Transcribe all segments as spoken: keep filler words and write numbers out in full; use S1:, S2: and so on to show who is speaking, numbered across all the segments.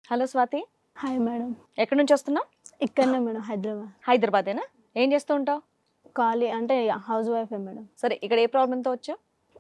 S1: Hello Swathi,
S2: hi madam.
S1: ఎక్కడి నుంచి వస్తున్నావు?
S2: ఇక్కడనే మేడం, హైదరాబాద్.
S1: హైదరాబాదేనా? ఏం చేస్తూ ఉంటావు?
S2: ఖాళీ అంటే హౌస్ వైఫే మేడం.
S1: సరే, ఇక్కడ ఏ ప్రాబ్లంతో వచ్చావు?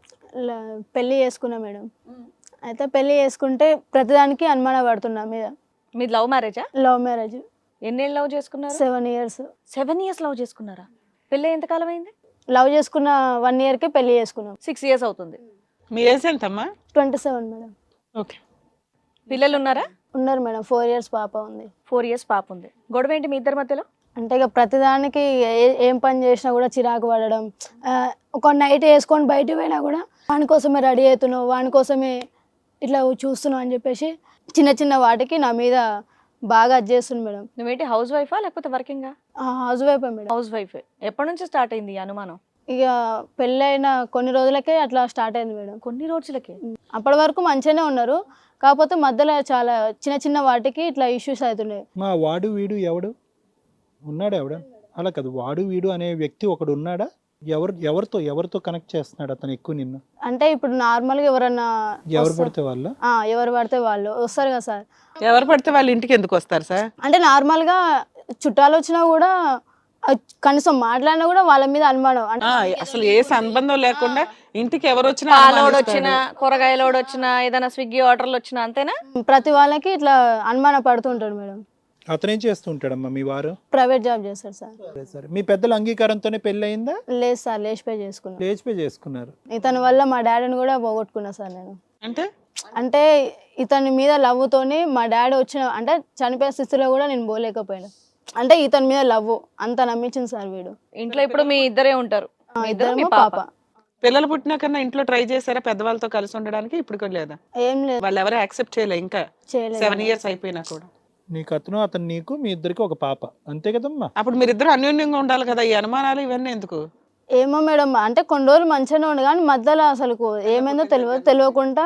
S2: ల- పెళ్ళి చేసుకున్నా మేడం. అయితే పెళ్ళి చేసుకుంటే ప్రతిదానికి అనుమానం పడుతున్నా మీద.
S1: మీది లవ్ మ్యారేజా?
S2: Love marriage.
S1: ఎన్నేళ్ళు లవ్ చేసుకున్నారు?
S2: Seven years
S1: seven years love చేసుకున్నారా? పెళ్ళి ఎంతకాలం అయింది?
S2: లవ్ చేసుకున్న వన్ ఇయర్కి పెళ్ళి చేసుకున్నాం.
S1: సిక్స్ ఇయర్స్ అవుతుంది.
S3: మీ ఏజ్ ఎంతమ్మా?
S2: Twenty seven madam.
S3: ఓకే.
S1: పిల్లలు ఉన్నారా?
S2: ఉన్నారు మేడం, ఫోర్ ఇయర్స్ పాప ఉంది.
S1: ఫోర్ ఇయర్స్ పాప ఉంది. గొడవ ఏంటి మీ ఇద్దరి మధ్యలో?
S2: అంటే ఇక ప్రతిదానికి ఏ- ఏం పని చేసినా కూడా చిరాకు పడడం. ఆ, ఒక నైట్ వేసుకొని బయట పోయినా కూడా వాని కోసమే రెడీ అవుతున్నావు, వాని కోసమే ఇట్లా చూస్తున్నావు అని చెప్పేసి చిన్న చిన్న వాటికి నా మీద బాగా అది చేస్తుంది మేడం.
S1: నువ్వేంటి హౌస్ వైఫా లేకపోతే వర్కింగా?
S2: హౌస్ వైఫే మేడం.
S1: House wife. ఎప్పటి నుంచి స్టార్ట్ అయింది ఈ అనుమానం?
S2: ఇక పెళ్ళైన కొన్ని రోజులకే అట్లా స్టార్ట్ అయింది మేడం.
S1: కొన్ని రోజులకి?
S2: అప్పటి వరకు మంచిగానే ఉన్నారు, కాకపోతే మధ్యలో చాలా చిన్న చిన్న వాటికి ఇట్లా ఇష్యూస్ అవుతున్నాయి.
S4: మా వాడు వీడు ఎవడు ఉన్నాడా? ఎవడ అలా కాదు, వాడు వీడు అనే వ్యక్తి ఒకడు ఉన్నాడా? ఎవరు ఎవరితో ఎవరితో కనెక్ట్ చేస్తున్నాడు అతను ఎక్కువ నిన్ను?
S2: అంటే ఇప్పుడు నార్మల్గా ఎవరన్నా
S4: ఎవరు పడితే వాళ్ళ?
S2: ఆ, ఎవరు పడితే వాళ్ళు వస్తారు కదా సార్.
S3: ఎవరు పడితే వాళ్ళ ఇంటికి ఎందుకు వస్తారు సార్?
S2: అంటే నార్మల్గా చుట్టాలు వచ్చినా కూడా ఆ, కనీసం మాట్లాడినా కూడా వాళ్ళ మీద అనుమానం. అంటే
S3: ఆ, అసలు ఏ సంబంధం లేకుండా ఇంటికి ఎవరు వచ్చినా
S1: పాలోడు
S3: అనుమానిస్తాడు.
S1: వచ్చినా, కూరగాయలోడు వచ్చినా, ఏదైనా స్విగ్గీ ఆర్డర్లు వచ్చినా అంతేనా?
S2: ప్రతి వాళ్ళకి ఇట్లా అనుమానం పడుతుంటాడు మేడం.
S4: అతనేం చేస్తూ ఉంటాడమ్మా మీ వారు?
S2: ప్రైవేట్ జాబ్ చేస్తాడు సార్.
S4: సరే సరే, మీ పెద్దల అంగీకారంతోనే పెళ్ళి అయిందా?
S2: లేదు సార్, లేచిపోయి చేసుకున్నాను.
S4: లేచిపోయి చేసుకున్నారు.
S2: ఇతని వల్ల మా డాడీని కూడా పోగొట్టుకున్నా సార్ నేను.
S3: అంటే
S2: అంటే ఇతని మీద లవ్వుతోని మా డాడీ వచ్చిన అంటే చనిపోయే స్థితిలో కూడా నేను పోలేకపోయాను. అంటే ఇతని మీద లవ్ అంత నమ్మించింది సార్ వీడు.
S1: ఇంట్లో ఇప్పుడు మీ ఇద్దరే ఉంటారు?
S2: ఆ,
S1: మీ ఇద్దరు, మీ
S2: ఇద్దరేమో
S1: పాప.
S2: పాప.
S3: పిల్లలు పుట్టినా కన్నా ఇంట్లో ట్రై చేశారా పెద్దవాళ్ళతో కలిసి ఉండడానికి? ఇప్పుడు కూడా లేదా?
S2: ఏం లేదు,
S3: వాళ్ళు ఎవరు యాక్సెప్ట్ చేయలే ఇంకా
S2: చేయలేదు.
S3: సెవెన్ ఇయర్స్ అయిపోయినా కూడా.
S4: నీకు అతను, అతను నీకు, మీ ఇద్దరికి ఒక పాప, అంతే కదమ్మా?
S3: అప్పుడు మీరిద్దరు అన్యోన్యంగా ఉండాలి కదా, ఈ అనుమానాలు ఇవన్నీ ఎందుకు?
S2: ఏమో మేడం, అంటే కొన్ని రోజులు మంచిగానే ఉండు కానీ మధ్యలో అసలు ఏమైందో తెలియదు, తెలియకుండా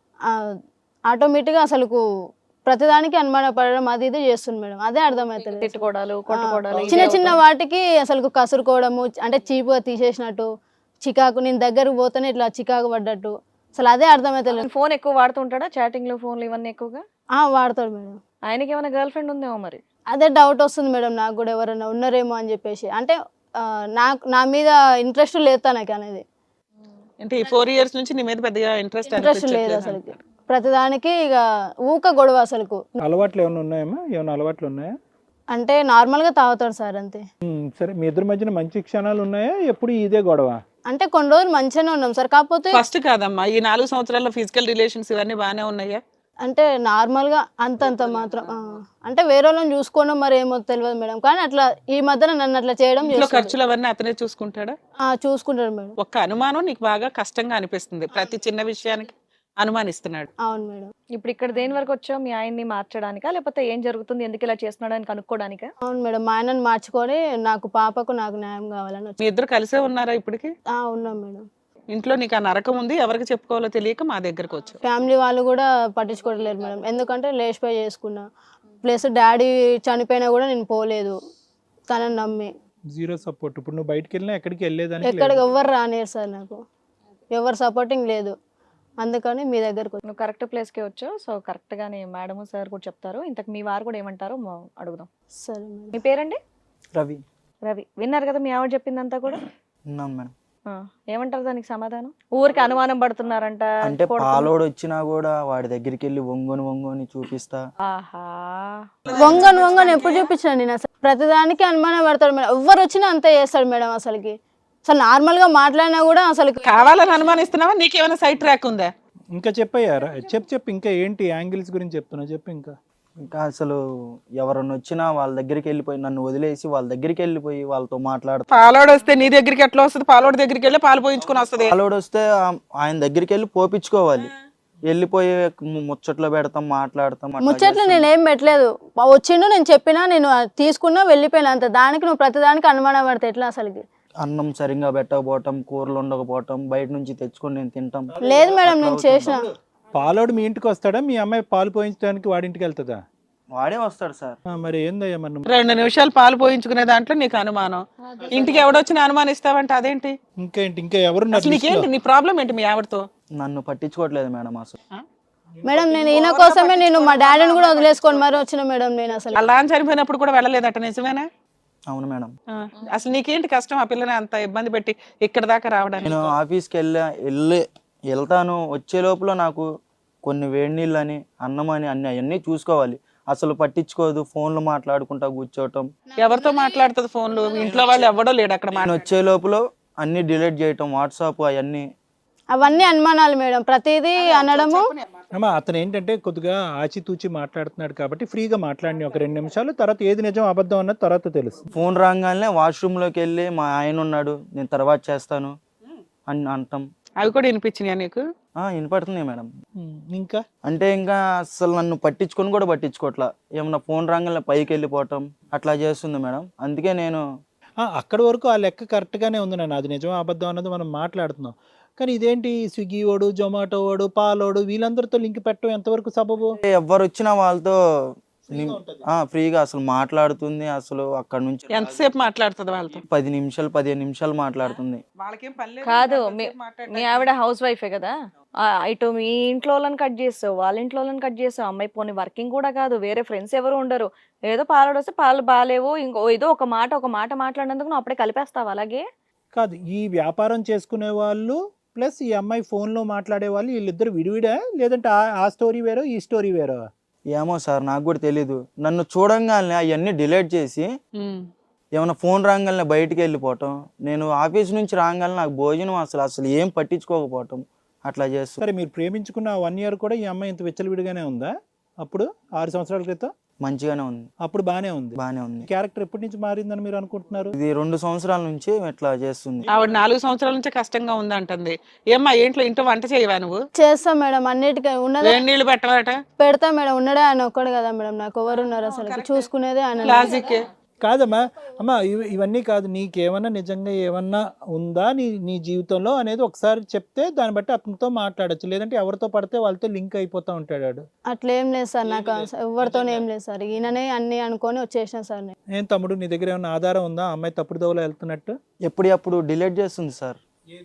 S2: ఆటోమేటిక్గా అసలు ప్రతిదానికి అనుమాన పడడం అది ఇది చేస్తుంది మేడం. అదే అర్థమవుతుంది.
S1: తిట్టుకోవడాలు, కొట్టుకోవడాలు, ఇవే
S2: చిన్న చిన్న
S1: అవుతాయి.
S2: వాటికి అసలు కసురుకోవడము, అంటే చీపుగా తీసేసినట్టు, చికాకు నేను దగ్గరకు పోతేనే ఇట్లా చికాకు పడ్డట్టు, అసలు అదే అర్థమవుతలేదు.
S1: ఫోన్ ఎక్కువ వాడుతుంటాడా? చాటింగ్లు, ఫోన్లు ఇవన్నీ ఎక్కువగా?
S2: ఆ, వాడతాడు మేడం.
S1: ఆయనకి ఏమైనా గర్ల్ ఫ్రెండ్ ఉందేమో మరి.
S2: అదే డౌట్ వస్తుంది మేడం నాకు కూడా, ఎవరైనా ఉన్నారేమో అని చెప్పేసి. అంటే ఆ, నాకు నా మీద ఇంట్రెస్ట్ లేదు తనకి అనేది.
S3: అంటే ఈ ఫోర్ ఇయర్స్ నుంచి నీ మీద పెద్దగా ఇంట్రెస్ట్
S2: ఇంట్రెస్ట్ లేదు అసలు. ప్రతిదానికి ఇక ఊక గొడవ అసలు.
S4: అలవాట్లు ఏమైనా ఉన్నాయమ్మా? ఏమైనా అలవాట్లు ఉన్నాయా?
S2: అంటే నార్మల్గా తాగుతాడు సార్ అంతే.
S4: ఉమ్, సరే, మీ ఇద్దరి మధ్యన మంచి క్షణాలు ఉన్నాయా? ఎప్పుడు ఇదే గొడవ?
S2: అంటే కొన్ని రోజులు మంచిగానే ఉన్నాం సార్, కాకపోతే
S3: ఫస్ట్ కాదమ్మా, ఈ నాలుగు సంవత్సరాల్లో ఫిజికల్ రిలేషన్స్ ఇవన్నీ బాగానే ఉన్నాయా?
S2: అంటే నార్మల్గా అంతంత మాత్రం. ఆ, అంటే వేరే వాళ్ళని చూసుకోవడం మరి ఏమో తెలియదు మేడం, కానీ అట్లా ఈ మధ్యన నన్ను అట్లా చేయడం
S3: ఇంట్లో
S2: చేస్తాడు.
S3: ఖర్చులు అవన్నీ అతనే చూసుకుంటాడా?
S2: ఆ, చూసుకుంటాడు మేడం.
S3: ఒక్క అనుమానం నీకు బాగా కష్టంగా అనిపిస్తుంది, ప్రతి చిన్న విషయానికి అనుమానిస్తున్నాడు.
S2: అవును మేడం.
S1: ఇప్పుడు ఇక్కడ దేని వరకు వచ్చావు? మీ ఆయన్ని మార్చడానికా, లేకపోతే ఏం జరుగుతుంది, ఎందుకు ఇలా చేస్తున్నాడు అని కనుక్కోడానికా?
S2: అవును మేడం, మా ఆయనను మార్చుకొని నాకు పాపకు నాకు న్యాయం కావాలని వచ్చి.
S3: మీ ఇద్దరు కలిసే ఉన్నారా ఇప్పటికి?
S2: ఆ, ఉన్నాం మేడం.
S3: ఇంట్లో నీకు ఆ నరకం ఉంది, ఎవరికి చెప్పుకోవాలో తెలియక మా దగ్గరకు వచ్చావు.
S2: ఫ్యామిలీ వాళ్ళు కూడా పట్టించుకోవట్లేదు మేడం, ఎందుకంటే లేచిపోయి చేసుకున్నా. ప్లస్ డాడీ చనిపోయినా కూడా నేను పోలేదు తనని నమ్మి.
S4: Zero support. ఇప్పుడు నువ్వు బయటకు వెళ్ళినా ఎక్కడికి వెళ్ళేదానికి
S2: ఎక్కడికి
S4: లేదు.
S2: ఎవ్వరు రానియరు సార్, నాకు ఎవరు సపోర్టింగ్ లేదు, అందుకని మీ దగ్గరకు వచ్చి.
S1: నువ్వు కరెక్ట్ ప్లేస్కే వచ్చావు. సో కరెక్ట్గానే మేడం సార్ కూడా చెప్తారు. ఇంతకు మీ వారు కూడా ఏమంటారో మా- అడుగుదాం.
S2: సరే మేడం.
S1: మీ పేరండి?
S5: రవి.
S1: రవి. విన్నారు కదా మీ ఆవిడ చెప్పిందంతా కూడా?
S5: ఉన్నాను మేడం.
S1: ఆ, ఏమంటారు దానికి సమాధానం? ఊరికి అనుమానం పడుతున్నారంట.
S5: అంటే
S1: కొడుతున్నా-
S5: పాలోడు వచ్చినా కూడా వాడి దగ్గరికి వెళ్ళి వంగొని వంగొని చూపిస్తా.
S1: ఆహా.
S2: వంగను వంగను ఎప్పుడు చూపించిన నేను అసలు. ప్రతిదానికి అనుమానం పడతాడు మేడం, ఎవరు వచ్చినా అంతే చేస్తాడు మేడం. అసలుకి అసలు నార్మల్ గా మాట్లాడినా కూడా అసలు
S3: కావాలని అనుమానిస్తున్నావా? నీకేమైనా సైడ్ ట్రాక్ ఉందా?
S4: ఇంకా చెప్పయ్యారా? చెప్పు చెప్పు, ఇంకా ఏంటి యాంగిల్స్ గురించి చెప్తున్నా చెప్పు. ఇంకా
S5: ఇంకా అసలు ఎవరన్నా వచ్చినా వాళ్ళ దగ్గరికి వెళ్ళిపోయి నన్ను వదిలేసి వాళ్ళ దగ్గరికి వెళ్ళిపోయి వాళ్ళతో మాట్లాడతా.
S3: పాలోడు వస్తే నీ దగ్గరికి ఎట్లా వస్తుంది? పాలోడు దగ్గరికి వెళ్ళి పాలు పోయించుకుని వస్తుంది.
S5: పాలోడు వస్తే ఆ- ఆయన దగ్గరికి వెళ్ళి పోపించుకోవాలి, వెళ్ళిపోయి ము- ముచ్చట్లో పెడతాం, మాట్లాడతాం. అట్లా
S2: ముచ్చట్లు
S5: చేస్తాం.
S2: నేనేం పెట్టలేదు. వచ్చిండు, నేను చెప్పినా, నేను తీసుకున్నా, వెళ్ళిపోయినా అంత. దానికి నువ్వు ప్రతిదానికి అనుమానం పడితే ఎట్లా అసలుకి?
S5: అన్నం సరిగ్గా పెట్టకపోవటం, కూరలు ఉండకపోవటం, బయట నుంచి తెచ్చుకొని నేను తింటాం.
S2: లేదు మేడం, నేను చేసిన.
S4: పాలోడు మీ ఇంటికి వస్తాడా? మీ అమ్మాయి పాలు పోయించడానికి వాడింటికి వెళ్తుందా?
S5: వాడే వస్తాడు సార్.
S4: ఆ, మరి ఏందయ్యా మరి నువ్వు?
S3: రెండు నిమిషాలు పాలు పోయించుకునే దాంట్లో నీకు అనుమానం. ఇంటికి ఎవడొచ్చినా అనుమానిస్తావంటే అదేంటి?
S4: ఇంకేంటి? ఇంకా ఎవరు
S3: అసలు నీకేంటి? నీ ప్రాబ్లం ఏంటి మీ ఆవిడతో?
S5: నన్ను పట్టించుకోవట్లేదు మేడం అసలు.
S3: ఆ?
S2: మేడం నేను ఈయన కోసమే నేను మా డాడీని కూడా వదిలేసుకొని మరి వచ్చిన మేడం నేను అసలు.
S3: అలా అని చనిపోయినప్పుడు కూడా వెళ్ళలేదట, నిజమేనా?
S5: అవును మేడం.
S3: ఆ, అసలు నీకేంటి కష్టం ఆ పిల్లని అంత ఇబ్బంది పెట్టి ఇక్కడ దాకా రావడానికి?
S5: నేను ఆఫీస్కి వెళ్ళా వెళ్ళి వెళ్తాను, వచ్చే లోపల నాకు కొన్ని వేడి నీళ్ళు అని అన్నం అని అన్ని అవన్నీ చూసుకోవాలి, అసలు పట్టించుకోదు, ఫోన్లు మాట్లాడుకుంటా కూర్చోవటం.
S3: ఎవరితో మాట్లాడుతుంది ఫోన్లు? ఇంట్లో వాళ్ళు ఎవడో లేడు అక్కడ.
S5: నేను వచ్చే లోపల అన్ని డిలీట్ చేయటం, వాట్సాప్ అవన్నీ.
S2: అవన్నీ అనుమానాలు మేడం, ప్రతిదీ అనడము.
S4: అమ్మా అతను ఏంటంటే కొద్దిగా ఆచితూచి మాట్లాడుతున్నాడు కాబట్టి ఫ్రీగా మాట్లాడిన ఒక రెండు నిమిషాలు, తర్వాత ఏది నిజం అబద్ధం అన్నది తర్వాత తెలుస్తుంది.
S5: ఫోన్ రాగానే వాష్రూమ్లోకి వెళ్ళి మా ఆయన ఉన్నాడు, నేను తర్వాత చేస్తాను అని అంటాం.
S3: అవి కూడా వినిపించినాయా నీకు?
S5: వినపడుతుంది మేడం.
S4: ఇంకా
S5: అంటే ఇంకా అసలు నన్ను పట్టించుకొని కూడా పట్టించుకోవట్లా, ఏమన్నా ఫోన్ రాగానే పైకి వెళ్ళిపోవటం అట్లా చేస్తుంది మేడం. అందుకే నేను
S4: అక్కడి వరకు ఆ లెక్క కరెక్ట్గానే ఉంది నాన్న, అది నిజం అబద్ధం అన్నది మనం మాట్లాడుతున్నాం. కానీ ఇదేంటి స్విగ్గీ వాడు, జొమాటో వాడు, పాలోడు వీళ్ళందరితో లింక్ పెట్టడం ఎంతవరకు సబబు?
S5: ఎవరు వచ్చినా వాళ్ళతో ఫ్రీగా అసలు మాట్లాడుతుంది. అసలు అక్కడ నుంచి
S3: ఎంతసేపు మాట్లాడుతుంది వాళ్ళతో?
S5: పది నిమిషాలు పదిహేను నిమిషాలు మాట్లాడుతుంది.
S1: కాదు మీ మీ ఆవిడ హౌస్ వైఫే కదా, ఆ, ఇటు మీ ఇంట్లో వాళ్ళని కట్ చేస్తావు, వాళ్ళ ఇంట్లో వాళ్ళని కట్ చేస్తావు. అమ్మాయి పోనీ వర్కింగ్ కూడా కాదు, వేరే ఫ్రెండ్స్ ఎవరు ఉండరు, ఏదో పాలు వస్తే పాలు బాగాలేవు, ఇంకో ఏదో ఒక మాట ఒక మాట మాట్లాడినందుకు నువ్వు అప్పుడే కలిపేస్తావు. అలాగే
S4: కాదు, ఈ వ్యాపారం చేసుకునే వాళ్ళు ప్లస్ ఈ అమ్మాయి ఫోన్లో మాట్లాడే వాళ్ళు వీళ్ళిద్దరు విడివిడా, లేదంటే ఆ స్టోరీ వేరో ఈ స్టోరీ వేరో?
S5: ఏమో సార్ నాకు కూడా తెలీదు. నన్ను చూడంగానే అవన్నీ డిలీట్ చేసి ఏమైనా ఫోన్ రాగానే బయటికి వెళ్ళిపోవటం, నేను ఆఫీస్ నుంచి రాగానే నాకు భోజనం అసలు అసలు ఏం పట్టించుకోకపోవటం అట్లా చేస్తాను.
S4: సరే మీరు ప్రేమించుకున్న వన్ ఇయర్ కూడా ఈ అమ్మాయి ఇంత విచ్చలవిడిగానే ఉందా? అప్పుడు ఆరు సంవత్సరాల క్రితం
S5: మంచిగానే ఉంది,
S4: అప్పుడు బానే ఉంది.
S5: బానే ఉంది.
S4: క్యారెక్టర్ ఎప్పటి నుంచి మారిందని మీరు అనుకుంటున్నారు?
S5: ఇది రెండు సంవత్సరాల నుంచి ఇట్లా చేస్తుంది.
S3: ఆవిడ నాలుగు సంవత్సరాల నుంచి కష్టంగా ఉంది అంటుంది. ఏమ్మా ఇంట్లో ఇంట్లో వంట చేయవా నువ్వు?
S2: చేస్తా మేడం, అన్నిటికీ ఉన్నదే
S3: వేడి నీళ్ళు పెట్టవాట?
S2: పెడతా మేడం, ఉన్నదే ఆయన ఒక్కడు కదా మేడం, నాకు ఎవరు ఉన్నారు అసలు చూసుకునేదే ఆయన.
S3: లాజిక్
S4: కాదమ్మా, అమ్మా ఇవ- ఇవన్నీ కాదు, నీకేమన్నా నిజంగా ఏమన్నా ఉందా నీ నీ జీవితంలో అనేది ఒకసారి చెప్తే దాన్ని బట్టి అతనితో మాట్లాడచ్చు, లేదంటే ఎవరితో పడితే వాళ్ళతో లింక్ అయిపోతా ఉంటాడు.
S2: అట్లేం లేదు సార్, నాకు ఎవరితోనే ఏం లేదు సార్, ఈయననే అన్ని అనుకొని వచ్చేసిన సార్ నేను.
S4: ఏం తమ్ముడు నీ దగ్గర ఏమన్నా ఆధారం ఉందా అమ్మాయి తప్పుడు దోవలో వెళ్తున్నట్టు?
S5: ఎప్పుడప్పుడు డిలీట్ చేస్తుంది సార్,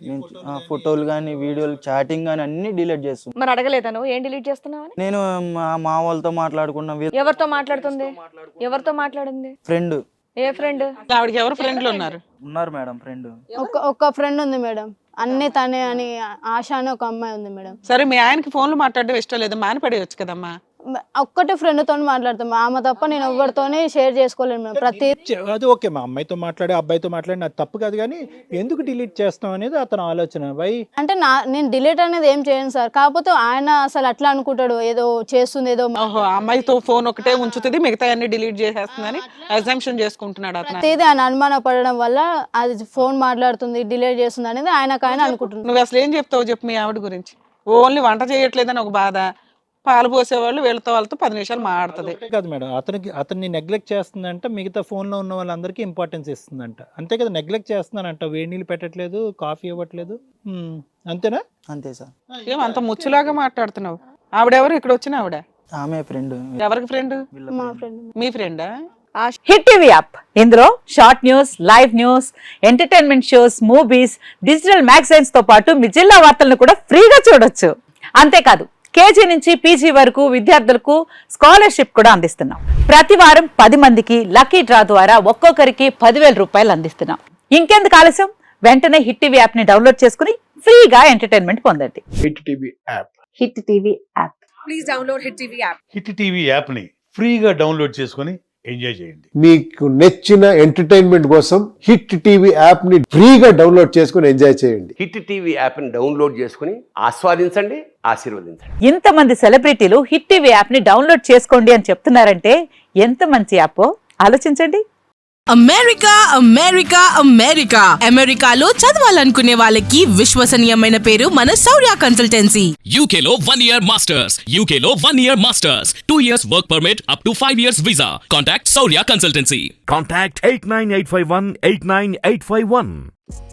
S5: ఫోటోలు కానీ వీడియోలు చాటింగ్ కానీ అన్ని డిలీట్ చేస్తుంది.
S1: మరి అడగలేదా నువ్వు ఏం డిలీట్ చేస్తున్నావని?
S5: నేను మా మా వాళ్ళతో మాట్లాడుకున్నా.
S1: ఎవరితో మాట్లాడుతుంది? ఎవరితో మాట్లాడింది?
S5: ఫ్రెండ్.
S1: ఏ ఫ్రెండ్?
S3: ఆవిడకి ఎవరు ఫ్రెండ్లు ఉన్నారు?
S5: ఉన్నారు మేడం ఫ్రెండ్.
S2: ఒక ఒక్క ఫ్రెండ్ ఉంది మేడం, అన్ని తనే అని ఆశ అని ఒక అమ్మాయి ఉంది మేడం.
S3: సరే మీ ఆయనకి ఫోన్లు మాట్లాడడం ఇష్టం లేదు, మానిపడేయచ్చు కదమ్మా.
S2: ఒక్కటే ఫ్రెండ్ తోని మాట్లాడతాం, ఆమె తప్ప నేను ఎవరితోనే షేర్ చేసుకోలేను మేడం. ప్రతి
S4: చె- అది ఓకే, మా అమ్మాయితో మాట్లాడే అబ్బాయితో మాట్లాడి అది తప్పు కాదు, కానీ ఎందుకు డిలీట్ చేస్తాం అనేది అతను ఆలోచన. వై
S2: అంటే నా నేను డిలీట్ అనేది ఏం చేయను సార్, కాకపోతే ఆయన అసలు అట్లా అనుకుంటాడు, ఏదో చేస్తుంది ఏదో
S3: ఓహో, అమ్మాయితో ఫోన్ ఒకటే ఉంచుతుంది, మిగతా అన్ని డిలీట్ చేసేస్తుందని అజంప్షన్ చేసుకుంటున్నాడు అతను.
S2: ప్రతిదీ ఆయన అనుమాన పడడం వల్ల అది ఫోన్ మాట్లాడుతుంది డిలీట్ చేస్తుంది అనేది ఆయనకు ఆయన అనుకుంటున్నాడు.
S3: నువ్వు అసలు ఏం చెప్తావు చెప్పు మీ ఆవిడ గురించి? ఓన్లీ వంట చేయట్లేదని ఒక బాధ, పాలు పోసేవాళ్ళు వీళ్ళతో వాళ్ళతో పది నిమిషాలు మాట్లాడుతుంది.
S4: అంతే కాదు మేడం, అతనికి అతన్ని నెగ్లెక్ట్ చేస్తుందంట, మిగతా ఫోన్లో ఉన్న వాళ్ళందరికీ ఇంపార్టెన్స్ ఇస్తుందంట. అంతే కదా, నెగ్లెక్ట్ చేస్తున్నానంట, వేడి నీళ్ళు పెట్టట్లేదు, కాఫీ ఇవ్వట్లేదు, హ్మ్, అంతేనా?
S5: అంతే సార్.
S3: ఏం అంత ముచ్చులాగా మాట్లాడుతున్నావు? ఆవిడెవరు? ఇక్కడ వచ్చిన ఆవిడ
S5: ఆమె ఫ్రెండ్.
S3: ఎవరికి ఫ్రెండ్?
S2: మా ఫ్రెండ్.
S3: మీ ఫ్రెండా?
S6: హిట్ టీవీ యాప్, ఇందులో short news, live news, entertainment shows, movies, digital magazines తో పాటు మీ జిల్లా వార్తలను కూడా ఫ్రీగా చూడొచ్చు. అంతేకాదు కేజీ నుంచి పీజీ వరకు విద్యార్థులకు స్కాలర్షిప్ కూడా అందిస్తున్నాం. ప్రతి వారం పది మందికి లక్కీ డ్రా ద్వారా ఒక్కొక్కరికి పదివేల రూపాయలు అందిస్తున్నాం. ఇంకెందుకు ఆలస్యం, వెంటనే హిట్ టీవీ యాప్ ని డౌన్లోడ్ చేసుకుని ఫ్రీగా ఎంటర్టైన్మెంట్ పొందండి.
S7: Hit TV app.
S6: Hit TV app.
S8: Please download hit TV app.
S7: Hit TV యాప్ని ఫ్రీగా డౌన్లోడ్ చేసుకొని ఎంజాయ్ చేయండి.
S9: మీకు నచ్చిన ఎంటర్టైన్మెంట్ కోసం హిట్ టీవీ యాప్ ని ఫ్రీగా డౌన్లోడ్ చేసుకుని ఎంజాయ్ చేయండి.
S10: హిట్ టీవీ యాప్ని డౌన్లోడ్ చేసుకుని ఆస్వాదించండి, ఆశీర్వదించండి.
S6: ఇంతమంది సెలబ్రిటీలు హిట్ టీవీ యాప్ ని డౌన్లోడ్ చేసుకోండి అని చెప్తున్నారంటే ఎంత మంచి యాప్ ఆలోచించండి.
S8: అమెరికా అమెరికా అమెరికా అమెరికాలో చదవాలనుకునే వాళ్ళకి విశ్వసనీయమైన పేరు మన శౌర్య కన్సల్టెన్సీ.
S11: U K లో one year masters, U K లో one year masters, two years work permit up to five years visa. Contact Saurya Consultancy.
S12: Contact eight nine eight five one eight nine eight five one.